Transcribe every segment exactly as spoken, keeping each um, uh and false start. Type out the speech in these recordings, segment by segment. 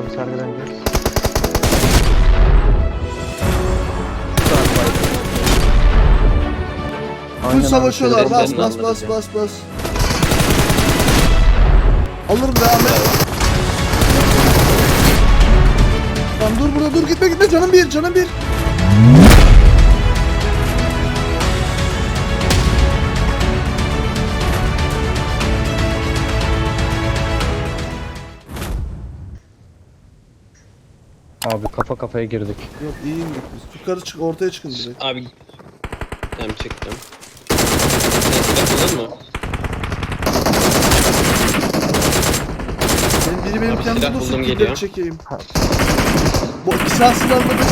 Abi sargı döneceğiz. Full savaşıyorlar. Bas Sözlerini bas bas anlatacağım. bas bas. Alırım devam et. Tamam dur burada dur gitme gitme canım bir canım bir. Abi kafa kafaya girdik. Yok iyiyim biz. Yukarı çık ortaya çıkın direkt. Abi tamam çıktım. Sen silah bulur mu? Benim biri benim Abi yanımda silah dursun buldum, killeri geliyor. çekeyim. Bu silah silahlı da.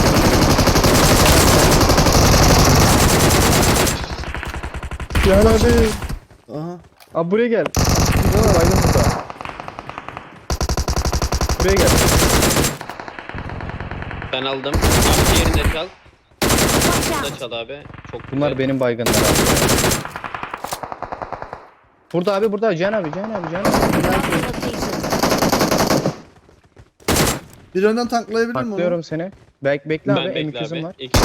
Gel abi. Aha. Abi buraya gel. Burada baygın burada. Buraya gel. Ben aldım. Abi diğerinde çal. Watch Burada out! çal abi. Çok güzel. Bunlar benim baygınlar abi. Burada abi burada Cihan abi Cihan abi Cihan abi. Marked a location. Bir önden tanklayabilir miyim onu? Taklıyorum seni. Bek bekle Ben abi bekle M ikizim abi. var. İki.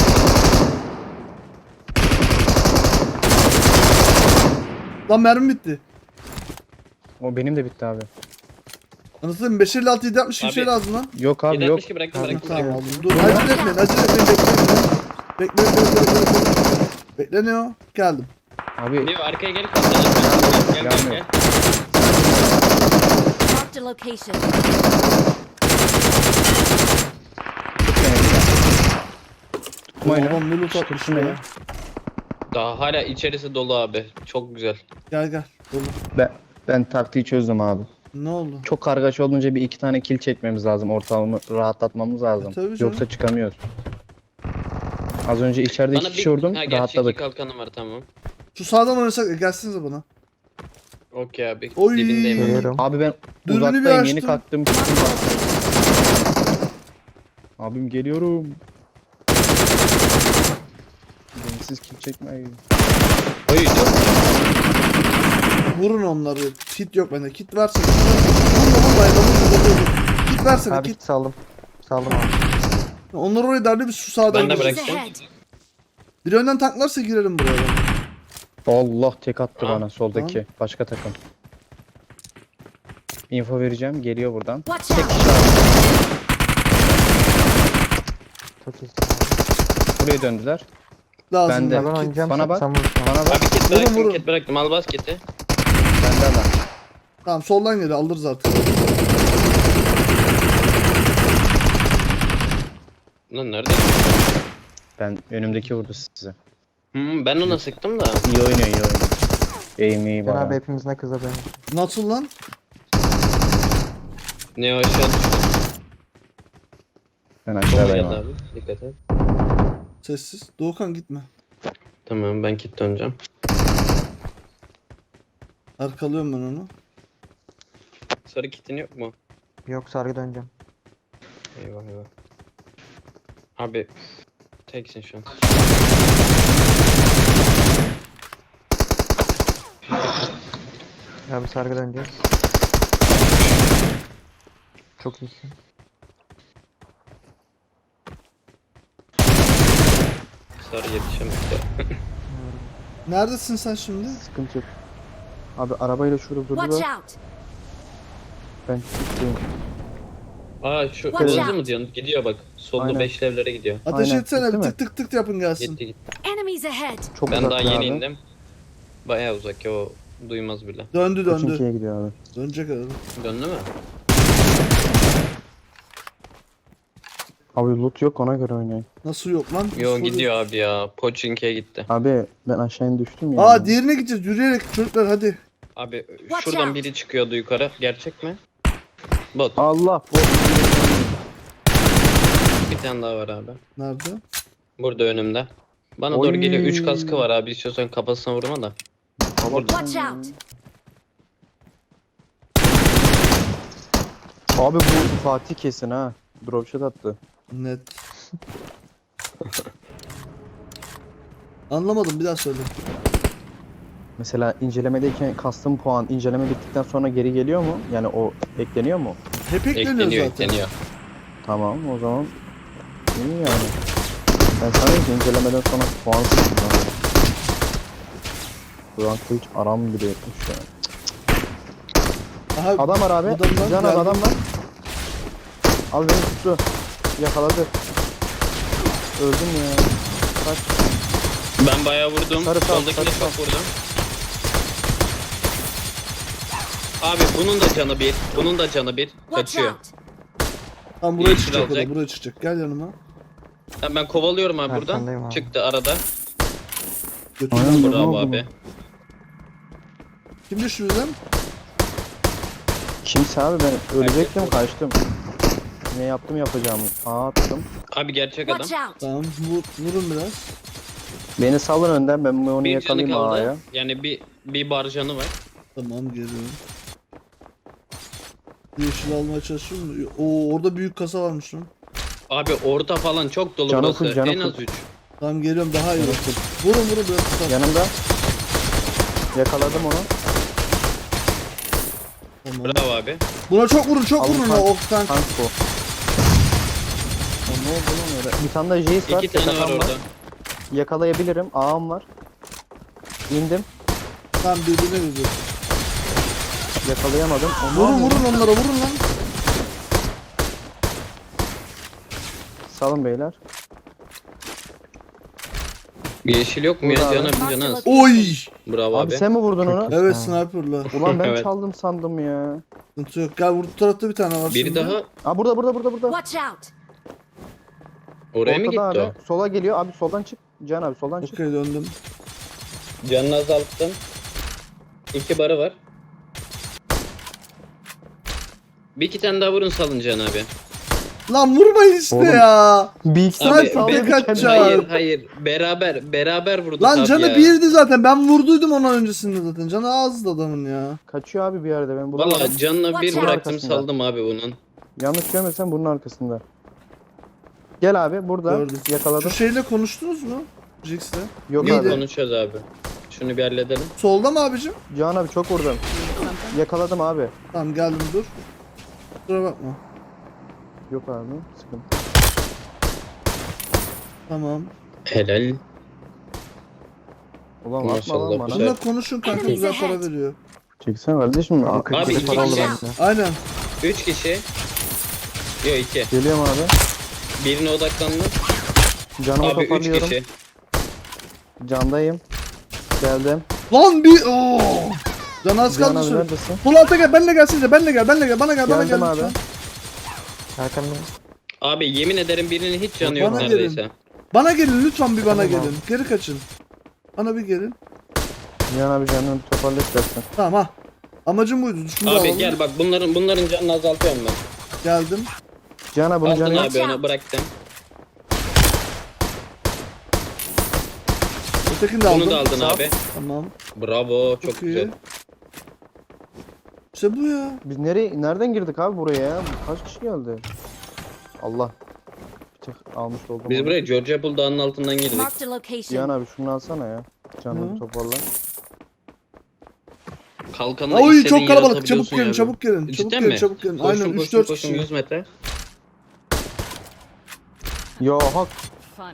Lan mermi bitti. O benim de bitti abi. Anlatayım beş elli altı yedi altmış bir Abi- şey lazım lan. Yok abi Yedi yok. altmış iki bıraktım Ha, bıraktım. tamam bıraktım. aldım. Dur acele etmeyin acele etmeyin bekleyin. Bekle bekle bekle bekle. Bekleniyor. Geldim. Abi Leo arkaya gel. Gel gel gel. Gelmiyor. gel. Marked a location. tutmayın. Babam ne loot atmış Tutun ya. beni. Daha hala içerisi dolu abi. Çok güzel. Gel gel. Dolu. Ben, ben taktiği çözdüm abi. Ne oldu? Çok kargaşa olunca bir iki tane kill çekmemiz lazım. Ortamı rahatlatmamız lazım. E, tabii canım. Yoksa çıkamıyoruz. Az önce içeride iki Bana kişi bir vurdum. ha, gerçek iki Rahatladık. kalkanım var tamam. Şu sağdan oynasak e, gelsinize bana. Okey abi. Oy. Dibindeyim abi. Geliyorum. Abi ben Dürbünü bir uzaktayım. Yeni açtım. kalktım. Marked a location. Abim geliyorum. Bensiz kill çekmeyin. Oy çok Vurun onları. Kit yok bende. Kit versene. Kit versene. Vurma vurma. Vurma vurma. Kit versene Abi kit. saldım. Saldım abi. Onlar oraya derdi biz şu sağdan Ben de gireceğiz. bıraktım. Enemies ahead. Bir önden tanklarsa girelim buraya. Allah tek attı Tamam. bana soldaki. Başka takım. Info vereceğim. Geliyor buradan. Watch out! Çok iyisin. Buraya döndüler. Lazım. Ben de. Ben Kit. oynayacağım. Bana bak. Sen vurursun. Bana bak. Abi kit Vurun, bıraktım vurun. kit bıraktım. Al bas kiti. Bende adam. Tamam soldan geliyor alırız artık. Lan nerede? Ben önümdeki vurdu size. Hmm, ben ona sıktım da. İyi oynuyor iyi oynuyor. Eğim iyi Sen abi bana. hepimiz ne kıza benim. Nasıl lan? Ne o aşağı düştü. Ben Bomba aşağıdayım geldi abi. abi. Dikkat et. Sessiz. Doğukan gitme. Tamam ben kit döneceğim. Arkalıyorum ben onu. Sarı kitin yok mu? Yok sargı döneceğim. Eyvah eyvah. Abi teksin şu an. Abi sargı döneceğiz. Çok iyisin. Sarı yetişemedi. Neredesin sen şimdi? Sıkıntı yok. Abi arabayla şurada Watch durdular. out! Ben tuttayım. Aa şu Watch kırmızı out. mı diyorsun? Gidiyor bak. Solda Aynen. beş evlere gidiyor. Ateş Aynen, etsene gitti bir mi? tık tık tık yapın gelsin. Gitti gitti. Enemies ahead! Çok Ben uzak daha ya yeni abi. indim. Bayağı uzak ya o duymaz bile. Döndü döndü. Koçinki'ye gidiyor abi. Dönecek arada. Döndü mü? Abi loot yok ona göre oynayın. Nasıl yok lan? Yo Nasıl gidiyor abi ya. Pochinki'ye gitti. Abi ben aşağı in düştüm ya. Aa diğerine gideceğiz yürüyerek çocuklar hadi. Abi Watch şuradan out. biri çıkıyordu yukarı. Gerçek mi? Bot. Allah bu. Bir tane daha var abi. Nerede? Burada önümde. Bana Oy. doğru geliyor. üç kaskı var abi. İstiyorsan kafasına vurma da. Watch out! Abi bu Fatih kesin ha. Drop shot attı. Net. Anlamadım bir daha söyle. Mesela incelemedeyken kastım puan inceleme bittikten sonra geri geliyor mu? Yani o ekleniyor mu? Hep ekleniyor Ekleniyor zaten. ekleniyor. Tamam o zaman iyi yani. Ben sana ki incelemeden sonra puan sıktım. Buran Kılıç aram bile etmiş ya. Aha, Adam var abi. adamdan Can abi geldi. adam var. Abi beni tuttu. Yakaladı. Öldüm ya. Kaç. Ben bayağı vurdum. Sarı sal, Soldakine sarı çok sal. vurdum. Abi bunun da canı bir. Bunun da canı bir. Watch Kaçıyor. out! Tam buraya Yeşil çıkacak o da, alacak. buraya çıkacak. Gel yanıma. Tamam, ben kovalıyorum abi Arkandayım buradan. abi. Çıktı arada. Götür. Aynen. Ne Bravo oldu abi. Kim düştü bizden? Kimse abi ben ölecektim Herkes kaçtım. Ne yaptım yapacağımı. Aa attım. Abi gerçek adam. Watch out! Tamam, vur, vurun biraz. Beni salın önden ben onu Bir canı yakalayayım A'ya. kaldı. Yani bir bir bar canı var. Tamam, geliyorum. Yeşil almaya çalışıyorum. Oo, orada büyük kasa varmış lan. Abi orta falan çok dolu Canı burası. full, canı En az full. üç. Tamam, geliyorum, daha iyi. Canı full. Vurun vurun biraz tutar. Yanımda. Yakaladım onu. Tamam. Bravo abi. Buna çok vurun, çok Alın vurun tank. ha, ok tank. Tank bu. O ne oldu lan öyle? Bir tane de Jace var. İki tane var yakan orada. Yakalayabilirim. Ağam var. İndim. Tamam, birbirine gidiyor. Yakalayamadım. Onu Vurun aldım. vurun onlara, vurun lan. Salın beyler. Yeşil yok mu ya? Burada abi. Canı bir canı az. Oy! Bravo Abi, abi. sen mi vurdun onu? Evet, Ha. sniper'la. Ulan ben Evet. çaldım sandım ya. Sıkıntı yok. Gel, bu tarafta bir tane var Biri şimdi. daha Aa burada burada burada burada. Watch out! oraya mı gitti Ortada o? abi. Sola geliyor. Abi soldan çık. Can abi soldan çık. Okey, döndüm. Canını azalttım. İki barı var. Bir iki tane daha vurun salın Can abi. Lan vurmayın işte Oğlum. ya. Bir Sniper Abi, sallıyor be- bir kaçar. Hayır hayır. Beraber beraber vurduk Lan abi canı ya. birdi zaten. Ben vurduydum ondan öncesinde zaten. Canı azdı adamın ya. Kaçıyor abi bir yerde ben bulamadım. Valla canına bir Watch out. bıraktım Arkasında. saldım abi bunun. Yanlış görmesem bunun arkasında. Gel abi burada. Gördüm. Yakaladım. Şu şeyle konuştunuz mu? Jix'le. Yok Yok abi. konuşacağız abi. Şunu bir halledelim. Solda mı abicim? Can abi çok vurdum. Yakaladım abi. Tamam, geldim, dur. Kusura bakma. Yok abi sıkıntı. Tamam. Helal. Ulan atma Maşallah, lan bana. güzel. Bununla konuşun kanka, Enemies güzel para ahead. veriyor. Çeksene kardeşim. Aa, kırk Abi lira iki para oldu kişi. bende. Aynen. Üç kişi. Yok iki. Geliyorum abi. Birine odaklandım. Canımı Abi üç toparlıyorum. kişi. Candayım. Geldim. Lan bir ooo. Can az Can kaldı abi sonra. neredesin? Sol alta gel, benle gelsinize, benle gel, benle gel, bana gel, bana Geldim gel. abi. lütfen. Arkandayım. Abi yemin ederim birinin hiç canı yok Bana neredeyse. Bana gelin lütfen, bir bana Tamam gelin. Geri kaçın. Bana bir gelin. Can abi canını bir toparla istersen. Tamam ha. Amacım buydu. Şunu da Abi alalım. gel bak bunların bunların canını azaltıyorum ben. Geldim. Can abi bunun Aldın canı yok. abi onu bıraktım. Ötekini de aldım. Bunu da aldın Sağ ol. abi. Tamam. Bravo çok, Çok, iyi. güzel. İşte bu ya. Biz nereye nereden girdik abi buraya ya? Kaç kişi geldi? Allah. Bir tık almış oldum. Biz onu. buraya Georgia Bull Dağı'nın altından girdik. Marked a location. Cihan abi şunu alsana ya. Canını Hı. bir toparla. Kalkanla Oy, istediğin çok yere kalabalık. Çabuk atabiliyorsun gelin, ya. çabuk gelin. Çabuk Cidden gelin, mi? çabuk gelin. Koşun, Aynen koşun, üç dört koşun, kişi. yüz metre. Yo hak. Funny.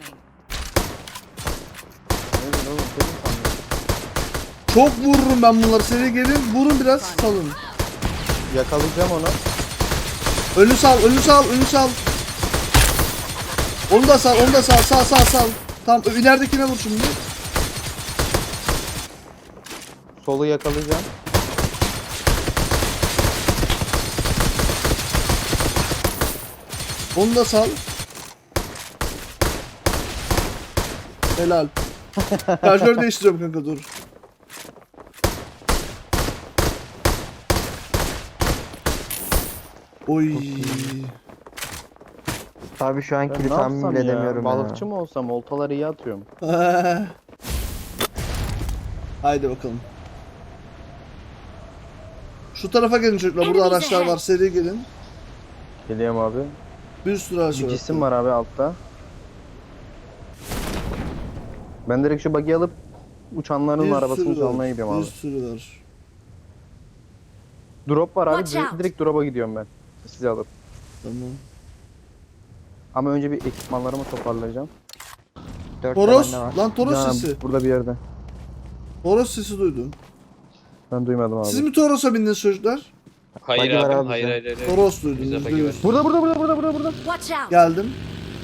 Ne diyorsun oğlum? Senin sandım. Çok vururum ben bunları. Seri gelin. Vurun biraz, salın. Yakalayacağım onu. Önü sal, önü sal, önü sal. Onu da sal, onu da sal, sal, sal, sal. Tamam, ileridekine vur şimdi. Solu yakalayacağım. Onu da sal. Helal. Şarjör değiştiriyorum kanka, dur. Oy. Abi şu an Ben kili ne tahmin yapsam bile ya? edemiyorum ya. Balıkçı mı olsam? Oltaları iyi atıyorum. Haydi bakalım. Şu tarafa gelin çocuklar. Burada Enemies araçlar ahead. var. Seri gelin. Geliyorum abi. Bir sürü araç Bir var. cisim var abi altta. Ben direkt şu bug'i alıp uçanların Bir arabasını sürü çalmaya var. gidiyorum Bir abi. sürü var. Drop var abi. Watch Direkt, out. direkt drop'a gidiyorum ben. Sizi alır. Tamam. Ama önce bir ekipmanlarımı toparlayacağım. Dört Toros. tane var. Lan Toros Can abi, sesi. burada bir yerde. Toros sesi duydum. Ben duymadım abi. Siz mi Toros'a bindiniz çocuklar? Hayır Bagi var abi, abi hayır, bize. hayır hayır. Toros duydum. Bize yüzde bagi yüz. var. Burada burada burada burada burada burada. Watch out! Geldim.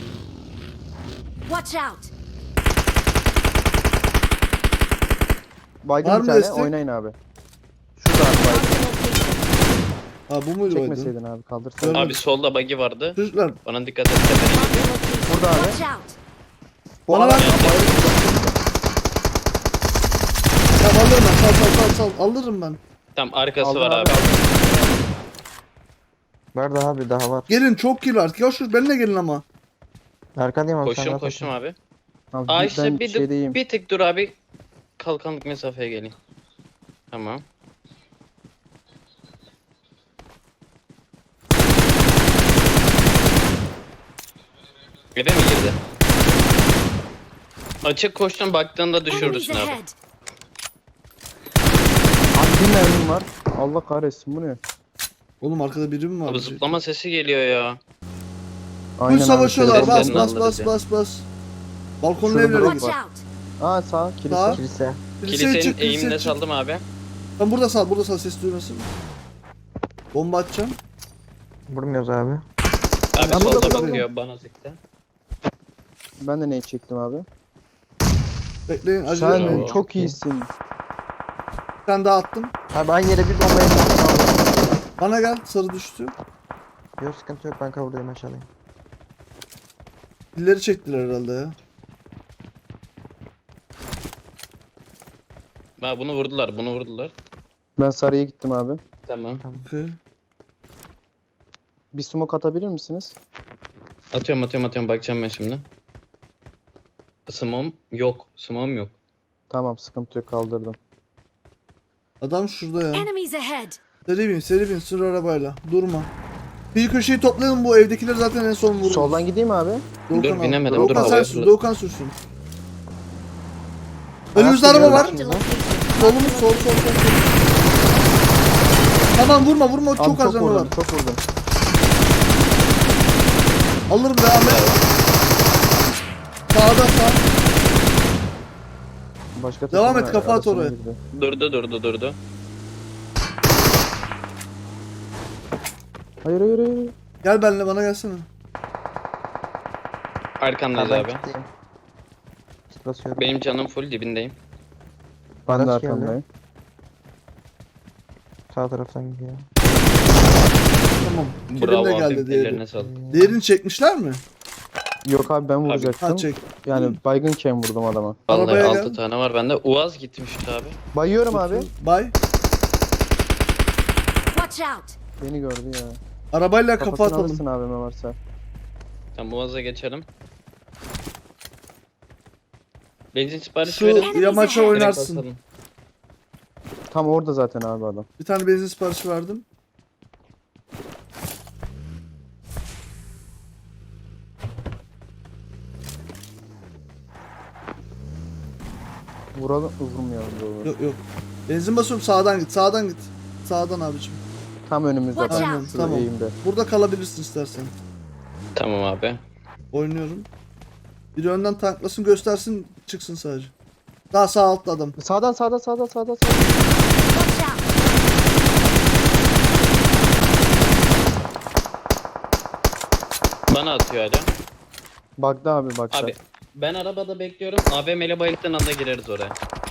Watch out! Baygın Var bir mı tane destek? oynayın abi. Şurada abi baygın. Marked a location. Ha bu muydu baydın? Çekmeseydin abi kaldırsaydın. Görmedim. Abi solda bagi vardı. Çocuklar Bana dikkat et. tepene Marked gidiyor. a location. Burada abi. Watch out! Bu Bana adam ver. tamam alırım ben. Sal sal sal sal. Alırım ben. Tam arkası Aldın var abi, abi. Var daha abi daha var. Gelin çok kill artık. Ya şu benimle gelin ama. Arkandayım abi. sen Koştum rahat ol. koştum abi. Abi, Aa ben işte bir, şeydeyim. bir tık dur abi. Kalkanlık mesafeye geleyim. Tamam. Eve mi girdi? Açık koştum, baktığında Enemies düşürürsün abi. ahead! Abi bir mermim var. Allah kahretsin bu ne? Oğlum arkada biri mi var? Abi zıplama sesi geliyor ya. Full savaşıyorlar. şöyle Bas seslerini bas bas alırız ya. bas bas. Balkonlu Şurada evlere drop git. Watch var. out! Aa sağ kilise. Sağ. Kilise. Kiliseye Kilisenin çık, kiliseye eğimine çık. saldım abi. Ben burada sal, burada sal ses duymasın. Bomba atacağım. Vurmuyoruz abi. Abi Ben burada solda buradayım. bakıyor bana zikte. Ben de neyi çektim abi? Bekleyin acele Sen etmeyin. Bravo. çok iyisin. Bir tane daha attım. Abi aynı yere bir bomba yapalım. Bana gel, sarı düştü. Yok sıkıntı yok ben kavurdayım aşağıdayım. Dilleri çektiler herhalde ya. Ha bunu vurdular, bunu vurdular. Ben sarıya gittim abi. Tamam. Okey. Bir smoke atabilir misiniz? Atıyorum atıyorum atıyorum, bakacağım ben şimdi. Smom yok, smom yok. Tamam sıkıntı yok kaldırdım. Adam şurada ya. Enemies ahead! Seri bin, seri bin, sür arabayla. Durma. Bir köşeyi toplayalım, bu evdekileri zaten en son vururuz. Soldan gideyim abi. Doğukan Dur, al. binemedim, dur, Doğukan sen havaya sür, fırladım. Doğukan sürsün. Önümüzde araba var. Marked a location. Solumuz, sol, sol, sol, sol. Tamam vurma, vurma, Abi çok az canı var. vurdum, çok vurdum. Alırım devam et. Sağda sağ. Başka Devam takımın et, kafa at arasına oraya. girdi. Durdu durdu durdu. Hayır hayır hayır. Gel benimle, bana gelsene. Arkandayız Ben abi. kilitleyim. Kit basıyorum. Benim canım full dibindeyim. Ben de Araç geldi. arkamdayım. Sağ taraftan gidiyor. Tamam. Bravo Kilim de abi, geldi diğeri. ellerine sağlık. Diğerini çekmişler mi? Yok abi ben vuracaktım. Ha çek. Yani baygınken vurdum adama. Vallahi Arabaya altı gel. tane var bende. Uaz gitmişti abi. Bayıyorum abi. Bay. Watch out! Beni gördü ya. Arabayla kafa Kafasını atalım. alırsın abime varsa. Tamam Uaz'a geçelim. Benzin siparişi Şu verin. yamaça Direkt oynarsın. basalım. Tam orada zaten abi adam. Bir tane benzin siparişi verdim. Vuralım, vurmayalım doğru. Yok yok. Benzin basıyorum, sağdan git, sağdan git. Sağdan abicim. Tam önümüzde. Watch Tam out. şu Tamam. eğimde. Burada kalabilirsin istersen. Tamam abi. Oynuyorum. Biri önden tanklasın, göstersin, çıksın sadece. Daha sağ altta adam. Sağdan sağdan sağdan sağdan sağdan. Watch out! Bana atıyor hala. Baktı abi baktı. Abi ben arabada bekliyorum. A V M'yle bayılttığın anda gireriz oraya.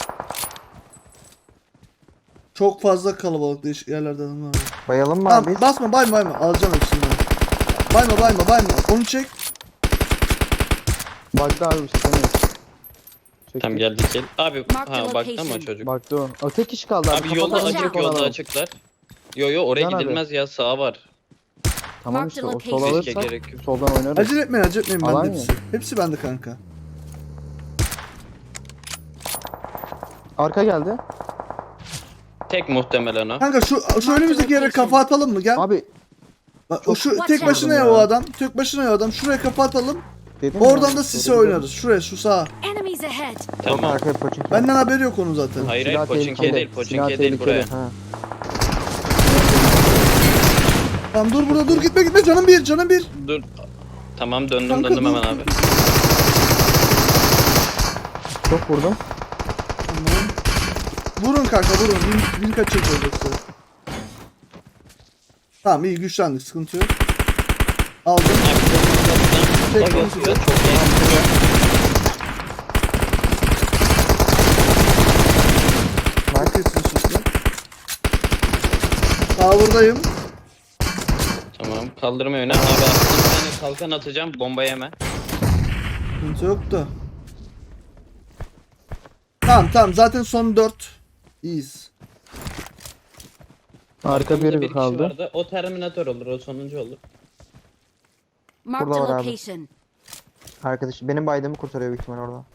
Çok fazla kalabalık, değişik yerlerde adamlar var. Bayalım mı Tamam, abi? basma, bayma bayma. Alacağım hepsini ben. Bayma bayma bayma. Onu çek. Baktı abi işte. Çekti. Tamam geldik gel. Abi Mark the ha baktı ama location. çocuk. Baktı o. O tek kişi kaldı abi. Abi yolda Kafadan Watch açık out. ona yolda bak. açıklar. Yo yo oraya Can abi. gidilmez ya, sağ var. Tamam Mark işte the o location. sol Riske alırsak gerek yok. soldan oynarız. Acele etmeyin, acele etmeyin. Alan Bende ya. hepsi. Hepsi bende kanka. Arka geldi. Tek muhtemelen o. Kanka şu şu Mark önümüzdeki yere location. kafa atalım mı? Gel. Abi Bak o şu Watch tek out. başına ya Ya. o adam. Tek başına ya o adam. Şuraya kafa atalım. dedim ya, Oradan da sisi doğru oynarız. Şuraya, şu sağa. Enemies ahead! Yok Tamam. arkaya poçink. Benden haberi yok onun zaten. Hayır Silah hayır Poçinki'ye tehlikeli. değil Silah Poçinki'ye değil tehlikeli. buraya. Ha. Tamam dur burada dur gitme gitme canım bir canım bir. Dur. Tamam döndüm Kanka, döndüm dur, hemen dur, abi. Çok vurdum. Tamam. Vurun kanka vurun. Bin, bin kaçıracağız yoksa. Tamam iyi güçlendik sıkıntı yok. Aldım. Abi, Tek çok iyi. konuşuyor. Çok iyi. Mark etsin şimdi. Tower'dayım. Tamam kaldırma yöne. Abi aslında bir tane kalkan atacağım bomba yeme. Sıkıntı yok da. Tamam tamam zaten son dört. İyiyiz. Arka Arkamızda biri bir kişi kaldı. vardı. O Terminator olur o sonuncu olur. Marked Burada a var abi. location. Arkadaş benim baydığımı kurtarıyor büyük ihtimal orada.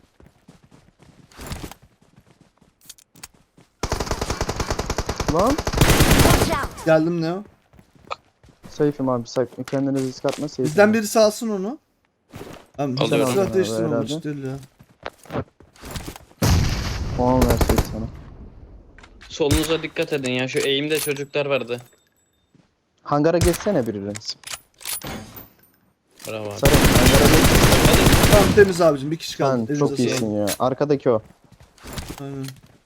Lan. Watch out! Geldim ne o? Safe'im abi safe. Kendine risk atma safe. Bizden birisi alsın onu. Abi bizden Alıyorum. silah Abi, değiştirmemiş herhalde. değil ya. Puan verseydi sana. Solunuza dikkat edin ya şu eğimde çocuklar vardı. Hangara geçsene biriniz. Bravo abi. Sarı hangara geç. Hadi. Tamam temiz abicim bir kişi kaldı. Sen Elinize çok sağlık. iyisin ya. Arkadaki o. Aynen.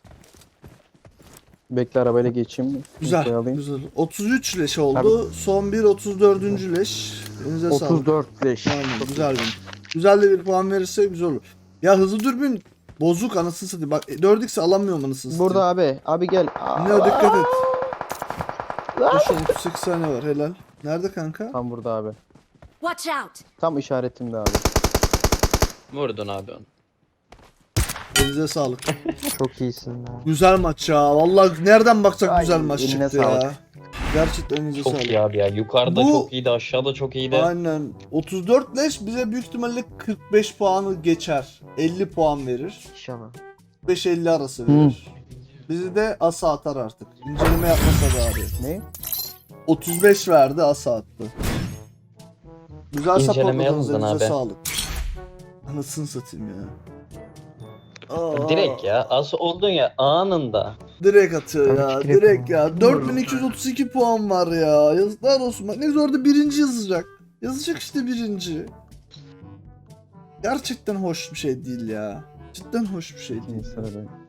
Bekle arabayla geçeyim. Güzel Infoyu alayım. güzel. otuz üç leş oldu. Son bir otuz dördüncü leş. Elinize sağlık. otuz dört leş. Aynen güzel bir. Güzel de bir puan verirse güzel olur. Ya hızlı dürbün bozuk anasını satayım. Bak dört x alamıyorum anasını satayım. Burada abi. Abi gel. Ne dikkat et. Şu otuz sekiz saniye var helal. Nerede kanka? Tam burada abi. Watch out! Tam işaretimde abi. Vurdun abi onu. Elinize sağlık. Çok iyisin ya. Güzel maç ya. Vallahi nereden baksak Ay, güzel maç eline çıktı ya. sağlık. Gerçekten elinize Çok sağlık. iyi abi ya. Yukarıda Bu- çok iyiydi aşağıda çok iyiydi. Aynen. otuz dört leş bize büyük ihtimalle kırk beş puanı geçer. elli puan verir. İnşallah. kırk beş elli arası verir. Bizi de asa atar artık. İnceleme yapmasa da abi. Ne? otuz beş verdi asa attı. Güzel İnceleme supportladınız yazdın elinize abi. sağlık. Anasını satayım ya. Aa, Direkt ya. As oldun ya anında. Direkt atıyor ya. Tabii ki Direkt direkt ya. dört bin iki yüz otuz iki puan var ya. Yazıklar olsun. Bak ne güzel orada birinci yazacak. Yazacak işte birinci. Gerçekten hoş bir şey değil ya. Cidden hoş bir şey değil. Neyse abi.